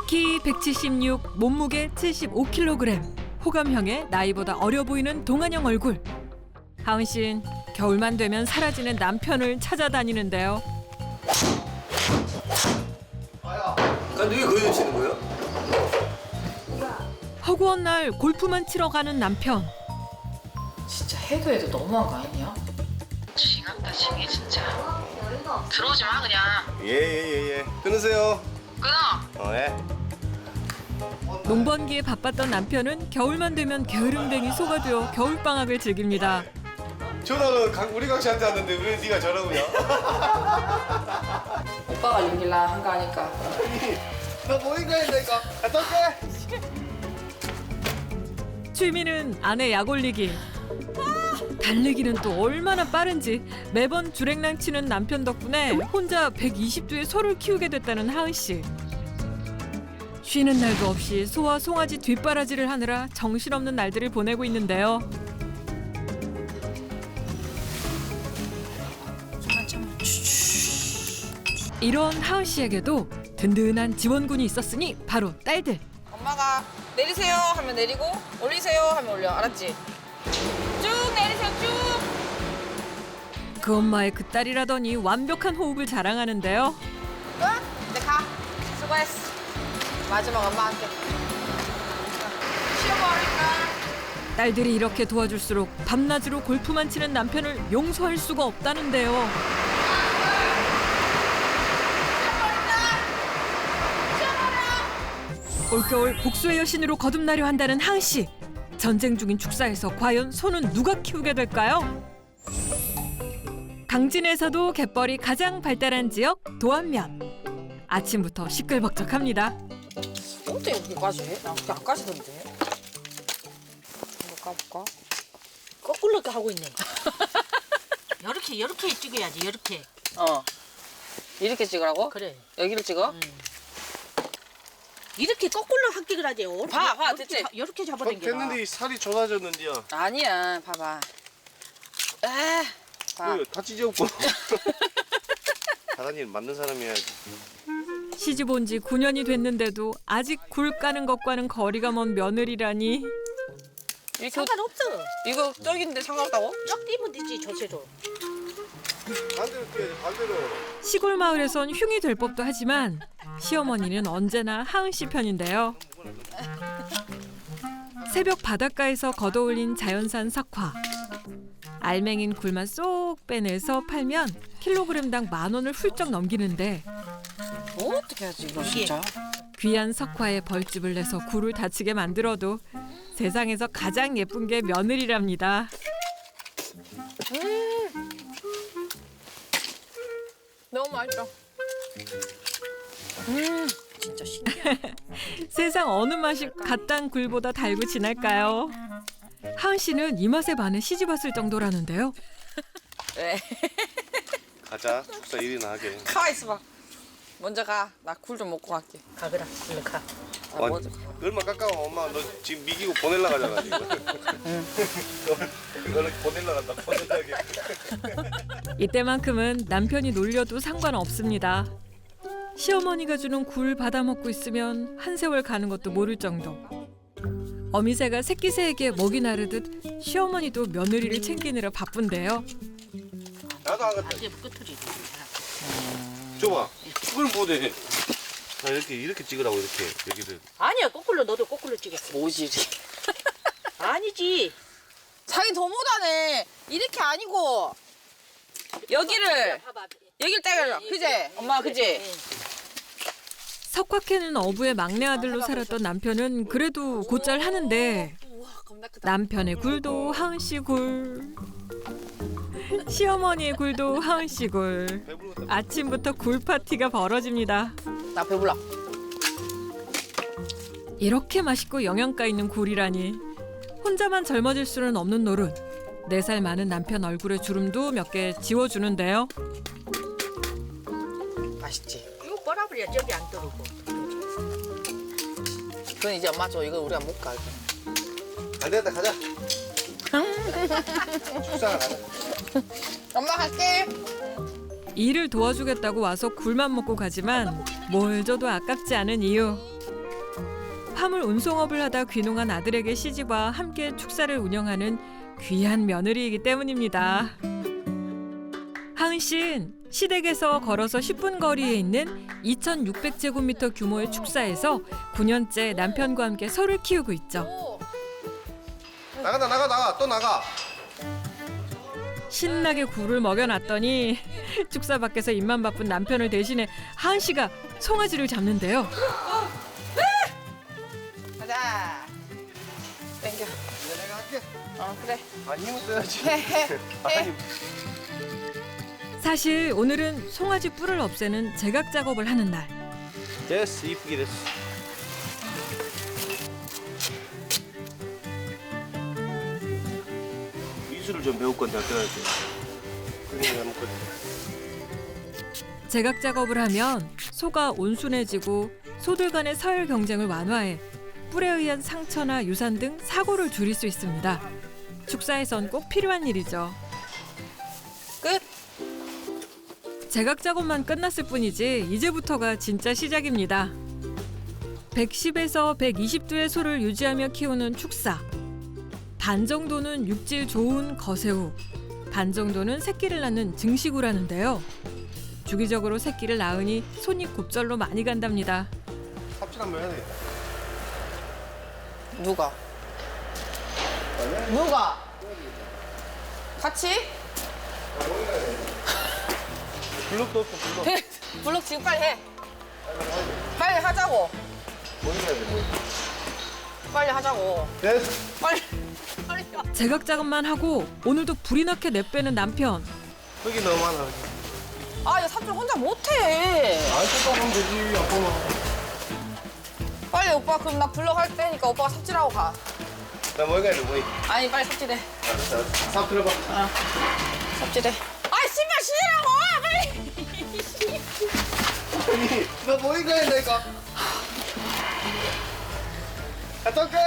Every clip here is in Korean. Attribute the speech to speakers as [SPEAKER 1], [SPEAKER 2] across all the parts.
[SPEAKER 1] 키 176, 몸무게 75kg. 호감형의 나이보다 어려 보이는 동안형 얼굴. 하은 씨는 겨울만 되면 사라지는 남편을 찾아다니는데요.
[SPEAKER 2] 근데 왜 거기서 치는 거예요?
[SPEAKER 1] 허구한 날 골프만 치러 가는 남편.
[SPEAKER 3] 진짜 해도 너무한 거 아니야?
[SPEAKER 4] 징한다 징해 진짜. 들어오지 마 그냥.
[SPEAKER 2] 예. 끊으세요.
[SPEAKER 4] 끊어.
[SPEAKER 2] 예.
[SPEAKER 1] 농번기에 바빴던 남편은 겨울만 되면 게으름뱅이 소가 되어 겨울방학을 즐깁니다.
[SPEAKER 2] 전화는 우리 강 씨한테 왔는데 왜 네가 전화오냐?
[SPEAKER 3] 오빠가 이길라 한 거 아니까.
[SPEAKER 2] 나 모인 거 했다니까. 갔다 올게.
[SPEAKER 1] 취미는 아내 약 올리기. 달리기는 또 얼마나 빠른지 매번 주랭랑 치는 남편 덕분에 혼자 120두의 소를 키우게 됐다는 하은 씨. 쉬는 날도 없이 소와 송아지 뒷바라지를 하느라 정신없는 날들을 보내고 있는데요. 이런 하은 씨에게도 든든한 지원군이 있었으니 바로 딸들.
[SPEAKER 3] 엄마가 내리세요 하면 내리고 올리세요 하면 올려. 알았지? 쭉 내리세요 쭉.
[SPEAKER 1] 그 엄마의 그 딸이라더니 완벽한 호흡을 자랑하는데요.
[SPEAKER 3] 끝? 이제 가. 수고했어. 마지막 엄마 할게. 쉬어버릴까?
[SPEAKER 1] 딸들이 이렇게 도와줄수록 밤낮으로 골프만 치는 남편을 용서할 수가 없다는데요. 올겨울 복수의 여신으로 거듭나려 한다는 하은 씨. 전쟁 중인 축사에서 과연 소는 누가 키우게 될까요? 강진에서도 갯벌이 가장 발달한 지역 도안면. 아침부터 시끌벅적합니다.
[SPEAKER 3] 어떻게 여기까지 해? 나 그렇게 안 까지던데. 한번 까볼까?
[SPEAKER 4] 거꾸로 이렇게 하고 있네. 이렇게 찍어야지 이렇게.
[SPEAKER 3] 이렇게 찍으라고?
[SPEAKER 4] 그래.
[SPEAKER 3] 여기를 찍어?
[SPEAKER 4] 이렇게 거꾸로 합격을 하지.
[SPEAKER 3] 봐, 됐지?
[SPEAKER 4] 이렇게 잡아당겨.
[SPEAKER 2] 됐는데 이 살이 좁아졌는지야.
[SPEAKER 3] 아니야, 봐봐. 에, 봐.
[SPEAKER 2] 다치지 없고. 잘한 일 맞는 사람이야지.
[SPEAKER 1] 시집 온 지 9년이 됐는데도 아직 굴 까는 것과는 거리가 먼 며느리라니.
[SPEAKER 3] 이거
[SPEAKER 4] 상관없어.
[SPEAKER 3] 이거 저긴데 상관없다고?
[SPEAKER 4] 쩍 뛰면 되지 저세로.
[SPEAKER 2] 반대로 뛰어야지 반대로.
[SPEAKER 1] 시골 마을에선 흉이 될 법도 하지만 시어머니는 언제나 하은 씨 편인데요. 새벽 바닷가에서 걷어올린 자연산 석화. 알맹인 굴만 쏙 빼내서 팔면 킬로그램당 10,000원을 훌쩍 넘기는데
[SPEAKER 3] 어떻게 하지 이거 진짜?
[SPEAKER 1] 귀한 석화에 벌집을 내서 굴을 다치게 만들어도 세상에서 가장 예쁜 게 며느리랍니다.
[SPEAKER 3] 너무 맛있어. 진짜
[SPEAKER 1] 세상 어느 맛이 갓 딴 굴보다 달고 진할까요? 하은 씨는 이 맛에 반해 시집 왔을 정도라는데요.
[SPEAKER 3] 왜?
[SPEAKER 2] 가자. 축사 일이나 하게.
[SPEAKER 3] 가만 있어봐. 먼저 가. 나 굴 좀 먹고 갈게.
[SPEAKER 4] 가거라. 일로 가.
[SPEAKER 3] 나 먼저.
[SPEAKER 2] 얼마 깎아와 엄마. 너 지금 미기고 보낼라 가잖아 지금. 너는 보낼라 간다. 보낼라게.
[SPEAKER 1] 이때만큼은 남편이 놀려도 상관없습니다. 시어머니가 주는 굴 받아 먹고 있으면 한 세월 가는 것도 모를 정도. 어미새가 새끼새에게 먹이 나르듯 시어머니도 며느리를 챙기느라 바쁜데요.
[SPEAKER 2] 나도 안 갔다.
[SPEAKER 4] 이제 끝으로
[SPEAKER 2] 줘봐. 이걸 못해. 나 이렇게 찍으라고 이렇게 여기를.
[SPEAKER 4] 아니야 거꾸로 너도 거꾸로 찍었어.
[SPEAKER 3] 모질이.
[SPEAKER 4] 아니지.
[SPEAKER 3] 자기 더 못하네. 이렇게 아니고 여기를 여기를 때려. 그지? 엄마 그지?
[SPEAKER 1] 석화 캐는 어부의 막내 아들로 살았던 남편은 그래도 곧잘 하는데 남편의 굴도 하은 씨 굴, 시어머니의 굴도 하은 씨 굴. 아침부터 굴 파티가 벌어집니다.
[SPEAKER 3] 나 배불러.
[SPEAKER 1] 이렇게 맛있고 영양가 있는 굴이라니. 혼자만 젊어질 수는 없는 노릇. 4살 많은 남편 얼굴에 주름도 몇 개 지워주는데요.
[SPEAKER 3] 맛있지?
[SPEAKER 4] 이거 빨아버려 저기 안 떨어고.
[SPEAKER 3] 그건 이제 엄마 줘. 이거 우리가 못 가.
[SPEAKER 2] 안 되겠다 가자. 축사가 가자.
[SPEAKER 3] 엄마 갈게.
[SPEAKER 1] 일을 도와주겠다고 와서 굴만 먹고 가지만 뭘 줘도 아깝지 않은 이유. 화물 운송업을 하다 귀농한 아들에게 시집와 함께 축사를 운영하는 귀한 며느리이기 때문입니다. 하은 씨는 시댁에서 걸어서 10분 거리에 있는 2,600제곱미터 규모의 축사에서 9년째 남편과 함께 소를 키우고 있죠.
[SPEAKER 3] 오,
[SPEAKER 2] 나가 또 나가.
[SPEAKER 1] 신나게 굴을 먹여놨더니 축사 밖에서 입만 바쁜 남편을 대신해 하은 씨가 송아지를 잡는데요.
[SPEAKER 3] 가자. 땡겨.
[SPEAKER 2] 내가 할게.
[SPEAKER 3] 그래.
[SPEAKER 2] 아 힘을 써야지.
[SPEAKER 3] 해.
[SPEAKER 2] 아니
[SPEAKER 1] 사실 오늘은 송아지 뿔을 없애는 제각 작업을 하는 날.
[SPEAKER 2] 됐어 이쁘게 됐어. 미술을 좀 배울 건데 어떡하지? 그냥 먹거든.
[SPEAKER 1] 제각 작업을 하면 소가 온순해지고 소들 간의 서열 경쟁을 완화해 뿔에 의한 상처나 유산 등 사고를 줄일 수 있습니다. 축사에선 꼭 필요한 일이죠.
[SPEAKER 3] 끝.
[SPEAKER 1] 제각 작업만 끝났을 뿐이지 이제부터가 진짜 시작입니다. 110에서 120도의 소를 유지하며 키우는 축사. 반 정도는 육질 좋은 거세우, 반 정도는 새끼를 낳는 증식우라는데요. 주기적으로 새끼를 낳으니 손이 곱절로 많이 간답니다.
[SPEAKER 2] 삽질 한번 해야 되겠다.
[SPEAKER 3] 누가? 누가? 같이?
[SPEAKER 2] 블록도 없어 블록.
[SPEAKER 3] 해. 블록 지금 빨리 해. 빨리 하자고.
[SPEAKER 2] 뭐 해야 돼? 뭐.
[SPEAKER 3] 빨리 하자고.
[SPEAKER 2] 됐어.
[SPEAKER 3] 빨리. 빨리.
[SPEAKER 1] 제각 작업만 하고 오늘도 불이 나게 내빼는 남편.
[SPEAKER 2] 흙이 너무 많아.
[SPEAKER 3] 아, 이거 삽질 혼자 못해.
[SPEAKER 2] 또 하면 되지 아빠는.
[SPEAKER 3] 빨리 오빠 그럼 나 블록 할 때니까 오빠가 삽질하고 가.
[SPEAKER 2] 나뭐 해야 돼 뭐.
[SPEAKER 3] 아니 빨리 삽질해.
[SPEAKER 2] 알았어. 삽 들어봐.
[SPEAKER 3] 삽질해. 아, 신발 신으라고. 빨리.
[SPEAKER 2] 아니 너뭐 해야 돼 이거. 갔다 올게.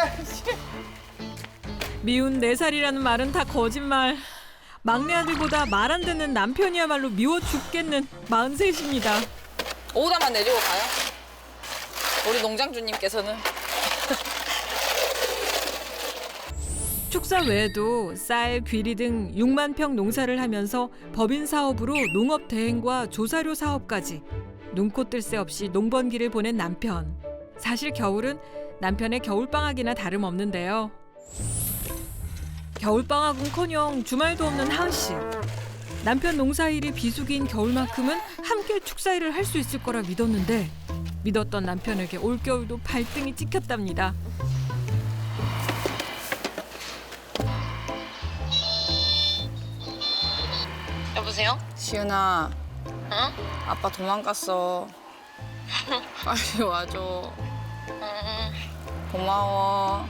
[SPEAKER 1] 미운 4살이라는 말은 다 거짓말. 막내 아들보다 말 안 듣는 남편이야말로 미워 죽겠는 43입니다.
[SPEAKER 3] 오다만 내리고 가요. 우리 농장주님께서는.
[SPEAKER 1] 축사 외에도 쌀, 귀리 등 6만 평 농사를 하면서 법인 사업으로 농업 대행과 조사료 사업까지 눈코 뜰 새 없이 농번기를 보낸 남편. 사실 겨울은 남편의 겨울방학이나 다름없는데요. 겨울방학은커녕 주말도 없는 하은 씨. 남편 농사일이 비수기인 겨울만큼은 함께 축사일을 할 수 있을 거라 믿었는데 믿었던 남편에게 올겨울도 발등이 찍혔답니다.
[SPEAKER 4] 여보세요?
[SPEAKER 3] 시은아,
[SPEAKER 4] 응?
[SPEAKER 3] 아빠 도망갔어. 빨리 와줘.
[SPEAKER 4] 응.
[SPEAKER 3] 고마워.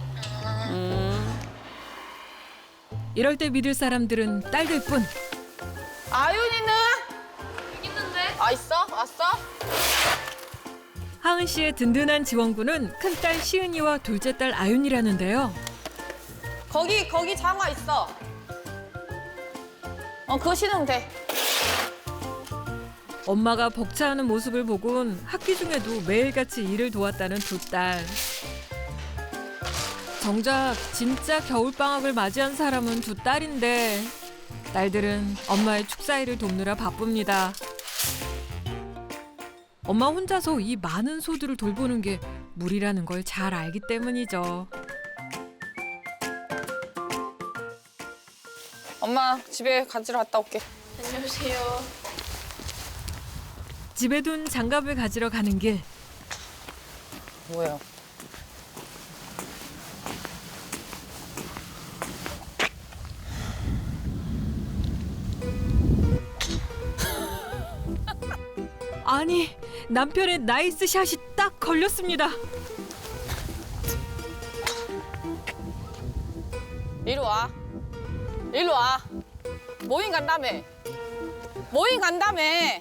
[SPEAKER 1] 이럴 때 믿을 사람들은 딸들뿐.
[SPEAKER 3] 아윤이는?
[SPEAKER 4] 여기 있는데?
[SPEAKER 3] 아, 있어? 왔어?
[SPEAKER 1] 하은 씨의 든든한 지원군은 큰딸 시은이와 둘째 딸 아윤이라는데요.
[SPEAKER 3] 거기 장화 있어. 그거 신으면 돼.
[SPEAKER 1] 엄마가 벅차하는 모습을 보곤 학기 중에도 매일같이 일을 도왔다는 두 딸. 정작 진짜 겨울방학을 맞이한 사람은 두 딸인데 딸들은 엄마의 축사일을 돕느라 바쁩니다. 엄마 혼자서 이 많은 소들을 돌보는 게 무리라는 걸 잘 알기 때문이죠.
[SPEAKER 3] 엄마 집에 가지러 갔다 올게.
[SPEAKER 4] 안녕하세요.
[SPEAKER 1] 집에 둔 장갑을 가지러 가는 길.
[SPEAKER 3] 뭐예요?
[SPEAKER 1] 아니, 남편의 나이스 샷이 딱 걸렸습니다.
[SPEAKER 3] 이리 와. 일로 와. 모임 간다며. 모임 간다며.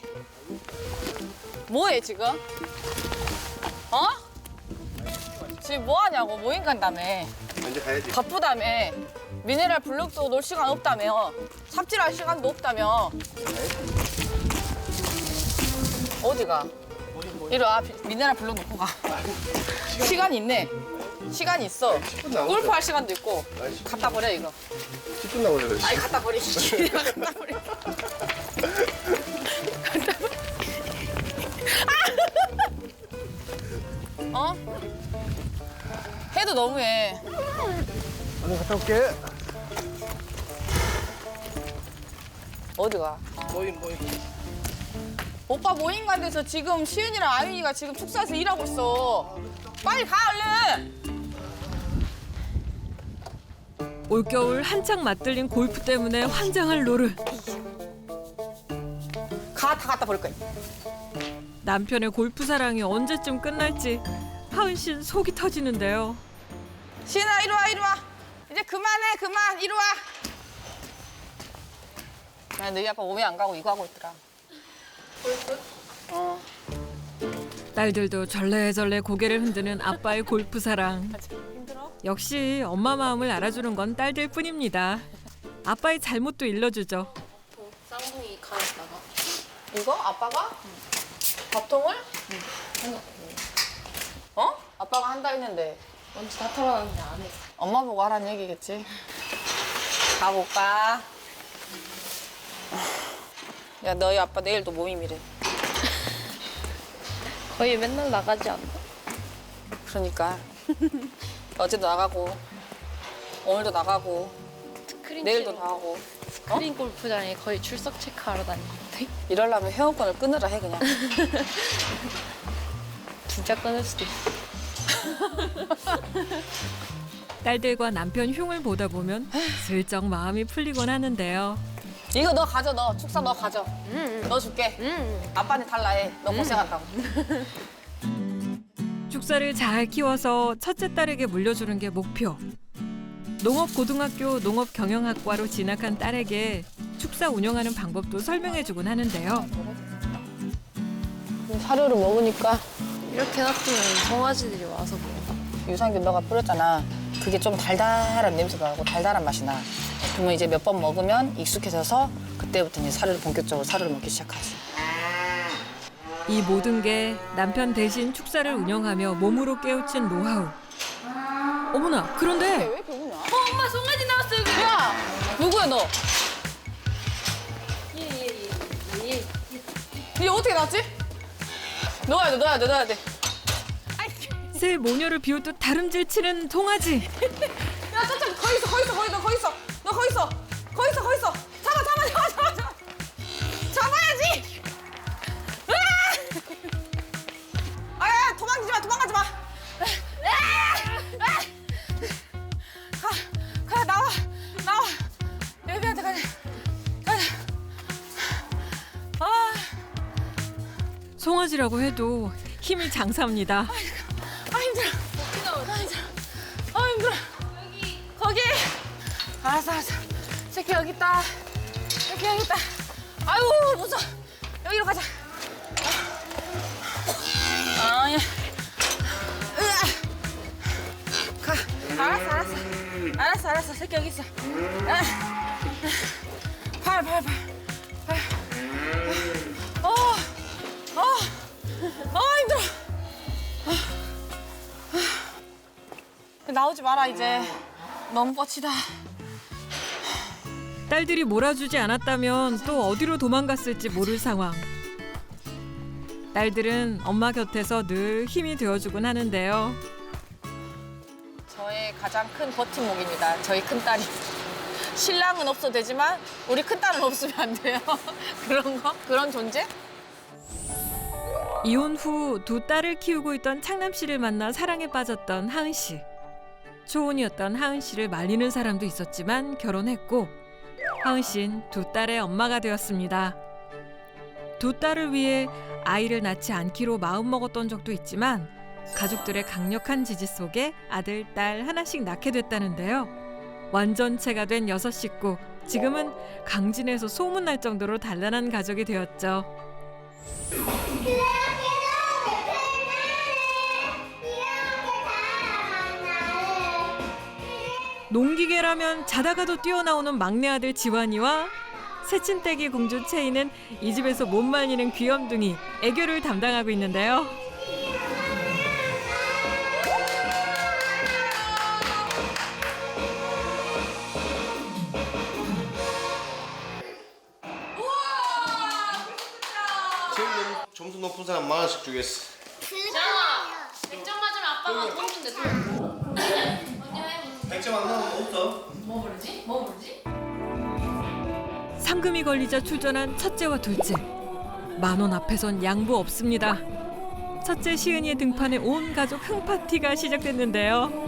[SPEAKER 3] 뭐해 지금? 어? 지금 뭐 하냐고. 모임 간다며.
[SPEAKER 2] 먼저 가야지.
[SPEAKER 3] 바쁘다며. 미네랄 블록도 놀 시간 없다며. 삽질할 시간도 없다며. 어디가? 이리 와. 민혜랑 불러놓고 가. 시간이 있네. 시간이 있어.
[SPEAKER 2] 남았어.
[SPEAKER 3] 골프 할 시간도 있고.
[SPEAKER 2] 아이씨.
[SPEAKER 3] 갖다 버려 이거.
[SPEAKER 2] 10분 나오려 그랬지.
[SPEAKER 3] 아이 갖다 버리지. 갖다 버려. 어? 해도 너무해.
[SPEAKER 2] 오늘 갔다 올게.
[SPEAKER 3] 어디가?
[SPEAKER 2] 모임.
[SPEAKER 3] 오빠 모임 간 데서 지금 시은이랑 아윤이가 지금 축사에서 일하고 있어. 빨리 가 얼른.
[SPEAKER 1] 올겨울 한창 맞들린 골프 때문에 환장할 노르.
[SPEAKER 3] 다 갖다 버릴 거야.
[SPEAKER 1] 남편의 골프 사랑이 언제쯤 끝날지 하은 씨는 속이 터지는데요.
[SPEAKER 3] 시은아 이리 와 이리 와. 이제 그만해 그만 이리 와. 야, 너희 아빠 몸에 안 가고 이거 하고 있더라. 어.
[SPEAKER 1] 딸들도 절레절레 고개를 흔드는 아빠의 골프 사랑. 역시 엄마 마음을 알아주는 건 딸들 뿐입니다. 아빠의 잘못도 일러주죠.
[SPEAKER 5] 쌍둥이 가졌다가
[SPEAKER 3] 이거 아빠가 밥통을? 어? 아빠가 한다 했는데
[SPEAKER 5] 먼저 다 털어놨는데 안 해.
[SPEAKER 3] 엄마 보고 하라는 얘기겠지. 가볼까? 야 너희 아빠 내일도 모임이래.
[SPEAKER 5] 거의 맨날 나가지 않나?
[SPEAKER 3] 그러니까 어제도 나가고 오늘도 나가고
[SPEAKER 5] 스크린
[SPEAKER 3] 내일도 나가고
[SPEAKER 5] 스크린 골프장에 거의 출석 체크하러 다니는데
[SPEAKER 3] 이러려면 회원권을 끊으라 해 그냥.
[SPEAKER 5] 진짜 끊을 수도 있어.
[SPEAKER 1] 딸들과 남편 흉을 보다 보면 슬쩍 마음이 풀리곤 하는데요.
[SPEAKER 3] 이거 너 가져 너 축사 너 가져. 너 줄게. 아빠한테 달라 해. 너 고생한다고.
[SPEAKER 1] 축사를 잘 키워서 첫째 딸에게 물려주는 게 목표. 농업고등학교 농업경영학과로 진학한 딸에게 축사 운영하는 방법도 설명해주곤 하는데요.
[SPEAKER 3] 사료를 먹으니까
[SPEAKER 5] 이렇게 놔두면 송아지들이 와서 먹어.
[SPEAKER 3] 유산균 너가 뿌렸잖아. 그게 좀 달달한 냄새가 나고 달달한 맛이 나. 그러면 이제 몇 번 먹으면 익숙해져서 그때부터 이제 본격적으로 사료를 먹기 시작하지.
[SPEAKER 1] 이 모든 게 남편 대신 축사를 운영하며 몸으로 깨우친 노하우. 어머나, 그런데
[SPEAKER 3] 왜 배우냐? 엄마 송아지 나왔어 여기. 야 누구야 너?
[SPEAKER 5] 예.
[SPEAKER 3] 얘 어떻게 나왔지? 넣어야 돼.
[SPEAKER 1] 새 모녀를 비웃듯 다름질 치는 송아지.
[SPEAKER 3] 야 저쪽 거기 있어. 너 거기 있어. 잡아. 잡아야지. 아야 도망가지 마. 가 나와. 여기한테 가자. 아
[SPEAKER 1] 송아지라고 해도 힘이 장사입니다.
[SPEAKER 3] 힘들어. 거기. 알았어. 새끼 여기 있다. 아유 무서워. 여기로 가자. 야. 가. 알았어. 새끼 여기 있어. 팔. 힘들어. 나오지 마라 이제. 너무 뻗치다.
[SPEAKER 1] 딸들이 몰아주지 않았다면 또 어디로 도망갔을지 모를 상황. 딸들은 엄마 곁에서 늘 힘이 되어주곤 하는데요.
[SPEAKER 3] 저의 가장 큰 버팀목입니다. 저희 큰딸이. 신랑은 없어도 되지만 우리 큰딸은 없으면 안 돼요. 그런 존재?
[SPEAKER 1] 이혼 후 두 딸을 키우고 있던 창남 씨를 만나 사랑에 빠졌던 하은 씨. 초혼이었던 하은 씨를 말리는 사람도 있었지만 결혼했고 하은 씨는 두 딸의 엄마가 되었습니다. 두 딸을 위해 아이를 낳지 않기로 마음먹었던 적도 있지만 가족들의 강력한 지지 속에 아들, 딸 하나씩 낳게 됐다는데요. 완전체가 된 6식구. 지금은 강진에서 소문날 정도로 단란한 가족이 되었죠. 농기계라면 자다가도 뛰어나오는 막내 아들 지환이와 새침대기 공주 채이는 이 집에서 못 말리는 귀염둥이 애교를 담당하고 있는데요.
[SPEAKER 2] 제일 점수 높은 사람 10,000원씩 주겠어.
[SPEAKER 5] 자, 100점 맞으면 아빠가 돈 준대.
[SPEAKER 2] 100점 안 나오면 없어.
[SPEAKER 5] 뭐 부르지? 뭐 부르지?
[SPEAKER 1] 상금이 걸리자 출전한 첫째와 둘째. 10,000원 앞에선 양보 없습니다. 첫째 시은이의 등판에 온 가족 흥파티가 시작됐는데요.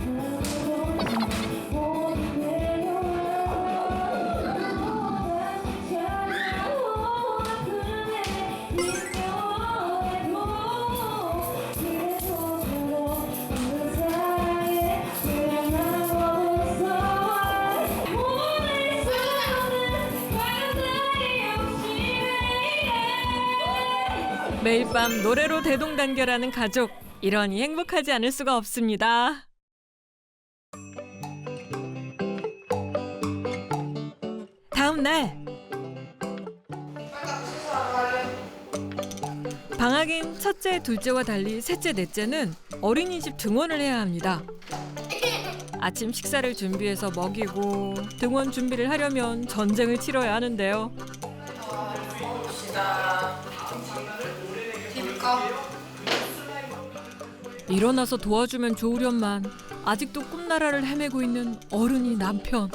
[SPEAKER 1] 매일 밤 노래로 대동단결하는 가족. 이러니 행복하지 않을 수가 없습니다. 다음 날 방학인 첫째, 둘째와 달리 셋째, 넷째는 어린이집 등원을 해야 합니다. 아침 식사를 준비해서 먹이고 등원 준비를 하려면 전쟁을 치러야 하는데요. 일어나서 도와주면 좋으련만 아직도 꿈나라를 헤매고 있는 어른이 남편.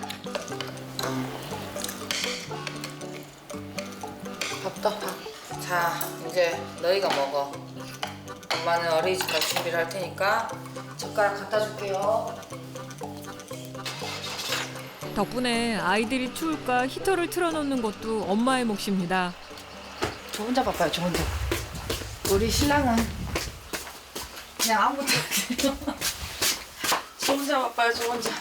[SPEAKER 3] 밥도 밥. 자, 이제 너희가 먹어. 엄마는 어린이집 갈 준비를 할 테니까 젓가락 갖다 줄게요.
[SPEAKER 1] 덕분에 아이들이 추울까 히터를 틀어놓는 것도 엄마의 몫입니다.
[SPEAKER 3] 저 혼자 바빠요, 저 혼자. 우리 신랑은 그냥 아무것도 안 해요. 저 혼자 바빠요, 저 혼자.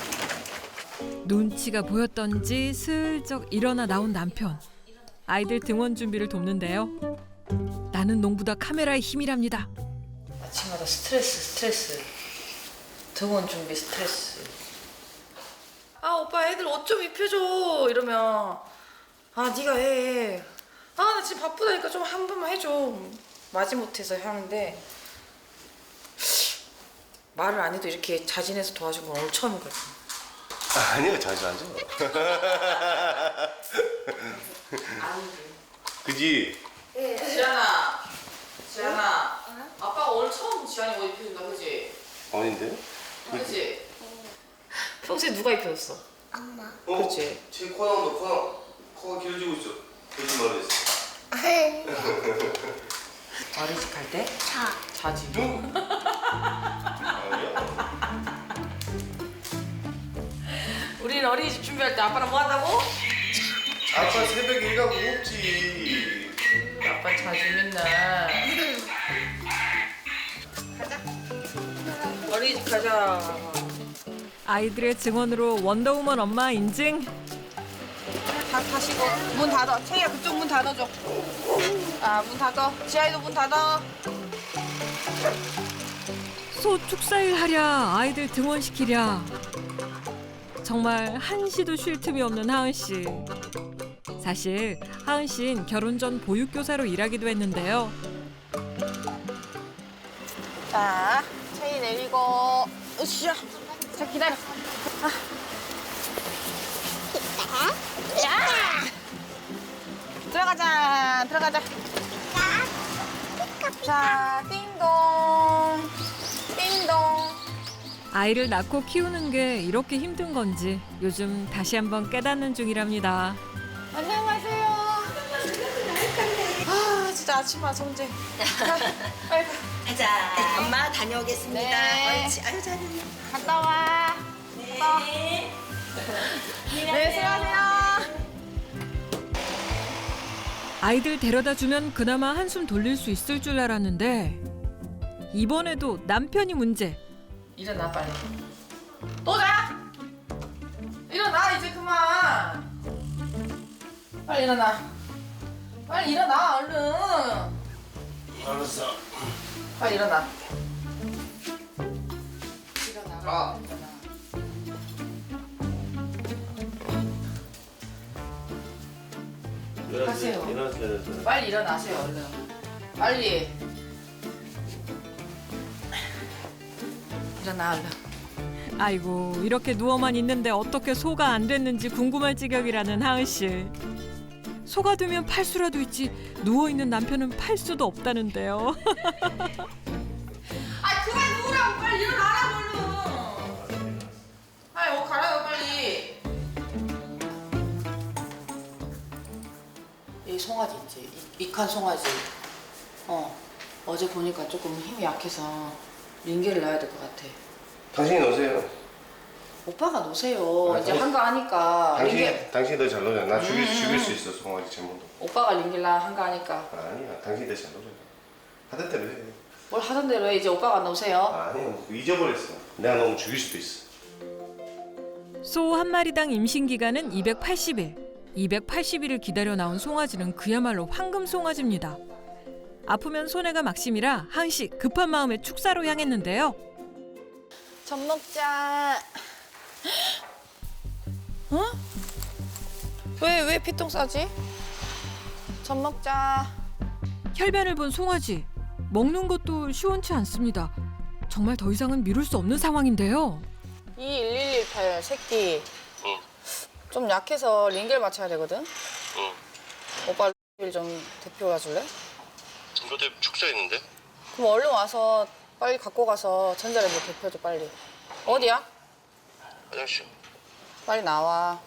[SPEAKER 1] 눈치가 보였던지 슬쩍 일어나 나온 남편. 아이들 등원 준비를 돕는데요. 나는 농부다 카메라의 힘이랍니다.
[SPEAKER 3] 아침마다 스트레스. 등원 준비 스트레스. 아, 오빠 애들 옷 좀 입혀줘. 이러면 아, 네가 해. 아, 나 지금 바쁘다니까 좀 한 번만 해줘. 마지못해서 하는데 말을 안 해도 이렇게 자진해서 도와준 건 오늘 처음인 것 같아.
[SPEAKER 2] 아니요, 자주 안 줘. 그지?
[SPEAKER 3] 지안아, 아빠가 오늘 처음 지안이 옷 입혀준다, 그지?
[SPEAKER 2] 아닌데?
[SPEAKER 3] 그지? 평소에 누가 입혀줬어? 그렇지.
[SPEAKER 2] 제 코가 길어지고 있어. 거짓말을 했어.
[SPEAKER 3] 어린이집 갈 때? 자지.
[SPEAKER 2] 아니야.
[SPEAKER 3] 우리는 어린이집 준비할 때 아빠랑 뭐 한다고?
[SPEAKER 2] 아빠 새벽에 일하고 없지.
[SPEAKER 3] 아빠 자주 맨날. 가자. 어린이집 가자.
[SPEAKER 1] 아이들의 증언으로 원더우먼 엄마 인증.
[SPEAKER 3] 다 타시고 문 닫아. 채희야 그쪽 문 닫아줘. 아, 문 닫아. 지아이도 문 닫아.
[SPEAKER 1] 소 축사일 하랴 아이들 등원시키랴. 정말 한시도 쉴 틈이 없는 하은 씨. 사실 하은 씨는 결혼 전 보육교사로 일하기도 했는데요.
[SPEAKER 3] 자, 채희 내리고. 으쌰. 자, 기다려. 야! 들어가자. 자, 띵동.
[SPEAKER 1] 아이를 낳고 키우는 게 이렇게 힘든 건지 요즘 다시 한번 깨닫는 중이랍니다.
[SPEAKER 3] 안녕하세요. 아, 진짜 아침마다 정제. 빨리 가.
[SPEAKER 6] 가자. 엄마 다녀오겠습니다.
[SPEAKER 3] 네.
[SPEAKER 6] 옳지. 아유 잘했네.
[SPEAKER 3] 갔다 와.
[SPEAKER 6] 네.
[SPEAKER 3] 네, 수고하세요.
[SPEAKER 1] 아이들 데려다 주면 그나마 한숨 돌릴 수 있을 줄 알았는데 이번에도 남편이 문제.
[SPEAKER 3] 일어나 빨리. 또 자. 일어나 이제 그만. 빨리 일어나. 빨리 일어나 얼른.
[SPEAKER 2] 알았어.
[SPEAKER 3] 빨리 일어나.
[SPEAKER 2] 아.
[SPEAKER 3] 가세요.
[SPEAKER 2] 일어나세요.
[SPEAKER 3] 빨리 일어나세요 얼른. 빨리. 일어나 얼른.
[SPEAKER 1] 아이고 이렇게 누워만 있는데 어떻게 소가 안 됐는지 궁금할 지경이라는 하은 씨. 소가 되면 팔 수라도 있지 누워 있는 남편은 팔 수도 없다는데요.
[SPEAKER 3] 아 그만 누우라고 빨리 일어나라 얼른. 아이 옷 갈아요 빨리. 이 송아지 있지 익한 송아지. 어제 보니까 조금 힘이 약해서 링겔을 놔야 될 것 같아.
[SPEAKER 2] 당신이 놓으세요.
[SPEAKER 3] 오빠가 놓으세요.
[SPEAKER 2] 아,
[SPEAKER 3] 이제
[SPEAKER 2] 당신-
[SPEAKER 3] 한가하니까
[SPEAKER 2] 당신이 더 잘 놓잖아. 나 죽일 수 있어 송아지 전문도.
[SPEAKER 3] 오빠가 링겔라 한가하니까
[SPEAKER 2] 아니야, 당신이 더 잘 놓잖아. 하던 대로 해.
[SPEAKER 3] 뭘 하던 대로 해. 이제 오빠가 놓으세요.
[SPEAKER 2] 아니야, 잊어버렸어. 내가 너무 죽일 수도 있어.
[SPEAKER 1] 소 한 마리당 임신 기간은 280일. 280일을 기다려 나온 송아지는 그야말로 황금 송아지입니다. 아프면 손해가 막심이라 하은 씨 급한 마음에 축사로 향했는데요.
[SPEAKER 3] 젖 먹자. 어? 왜 피똥 싸지? 젖 먹자.
[SPEAKER 1] 혈변을 본 송아지. 먹는 것도 시원치 않습니다. 정말 더 이상은 미룰 수 없는 상황인데요.
[SPEAKER 3] 21118 새끼. 좀 약해서 링겔 맞춰야 되거든. 오빠 링겔 좀 대표 와줄래?
[SPEAKER 2] 너도 축사 있는데?
[SPEAKER 3] 그럼 얼른 와서 빨리 갖고 가서 전자레인지 대표줘 빨리. 어디야?
[SPEAKER 2] 화장실.
[SPEAKER 3] 빨리 나와.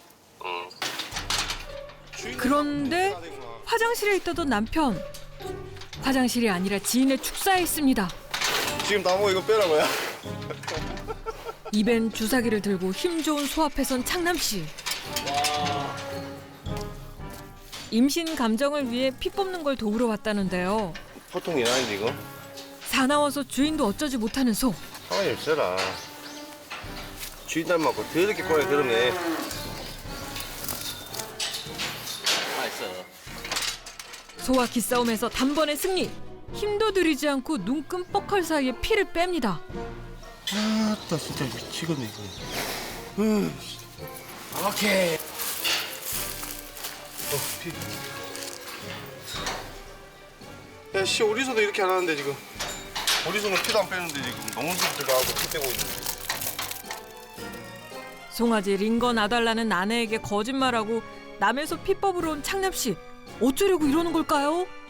[SPEAKER 1] 그런데 화장실에 있다던 남편. 화장실이 아니라 지인의 축사에 있습니다.
[SPEAKER 2] 지금 나보고 이거 빼라고요?
[SPEAKER 1] 입엔 주사기를 들고 힘 좋은 소 앞에선 창남 씨. 임신 감정을 위해 피 뽑는 걸 도우러 왔다는데요.
[SPEAKER 2] 보통 일 아닌데 이거?
[SPEAKER 1] 사나워서 주인도 어쩌지 못하는 소.
[SPEAKER 2] 가만히 있어라. 주인 닮았고 더럽게 꼬리 그러네.
[SPEAKER 1] 소와 기싸움에서 단번에 승리. 힘도 들이지 않고 눈 끔뻑할 사이에 피를 뺍니다.
[SPEAKER 2] 아따 진짜 미치겠네 이거. 오케이. 피. 야, 씨 어디서도 이렇게 안 하는데 지금. 어디서는 피도 안 빼는데 지금 너무 들어가고 피 빼고 있는데.
[SPEAKER 1] 송아지 링거 놔달라는 아내에게 거짓말하고 남의 소 피 뽑으러 온 창남 씨. 어쩌려고 이러는 걸까요?